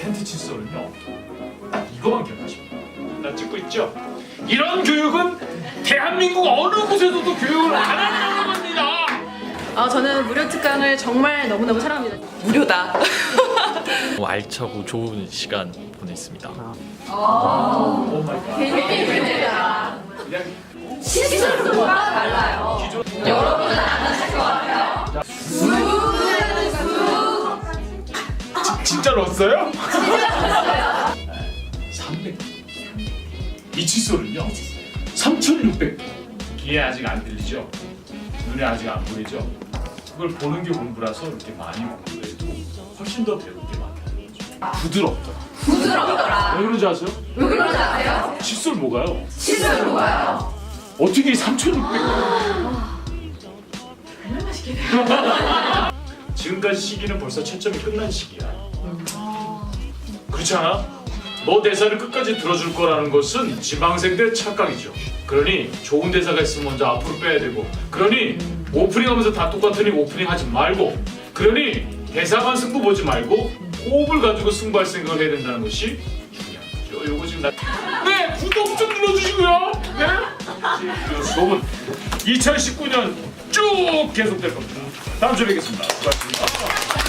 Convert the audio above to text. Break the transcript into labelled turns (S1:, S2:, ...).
S1: 텐트 칫솔은요 이거만 기억하십니다. 나 찍고 있죠? 이런 교육은 대한민국 어느 곳에서도 교육을 안 하는 겁니다.
S2: 저는 무료 특강을 정말 너무너무 사랑합니다.
S3: 무료다.
S4: 알차고 좋은 시간 보냈습니다.
S1: 오 마이 갓. 그냥
S3: 시술과 달라요. 여러분은 안 하실 것 같아요.
S1: 진짜로 왔어요? 300. 이 칫솔은요 3,600. 귀에 아직 안 들리죠? 눈에 아직 안 보이죠? 그걸 보는 게 공부라서 이렇게 많이 공부해도 훨씬 더 배울 게 많다는 거죠. 부드럽더라.
S3: 부드럽더라.
S1: 왜 그런지 아세요?
S3: 왜 그런지 아세요?
S1: 칫솔 뭐가요?
S3: 시술로 가요.
S1: 어떻게 3,600. 지금까지 시기는 벌써 채점이 끝난 시기야. 그렇지 않아? 너 대사를 끝까지 들어줄 거라는 것은 지방생들의 착각이죠. 그러니 좋은 대사가 있으면 먼저 앞으로 빼야 되고, 그러니 오프닝하면서 다 똑같으니 오프닝 하지 말고, 그러니 대사만 승부 보지 말고 호흡을 가지고 승부할 생각을 해야 된다는 것이 중요한 거죠. 요거 지금 네, 구독 좀 눌러주시고요. 네? 이 수업은 2019년 쭉 계속될 겁니다. 다음 주에 뵙겠습니다. 수고하셨습니다.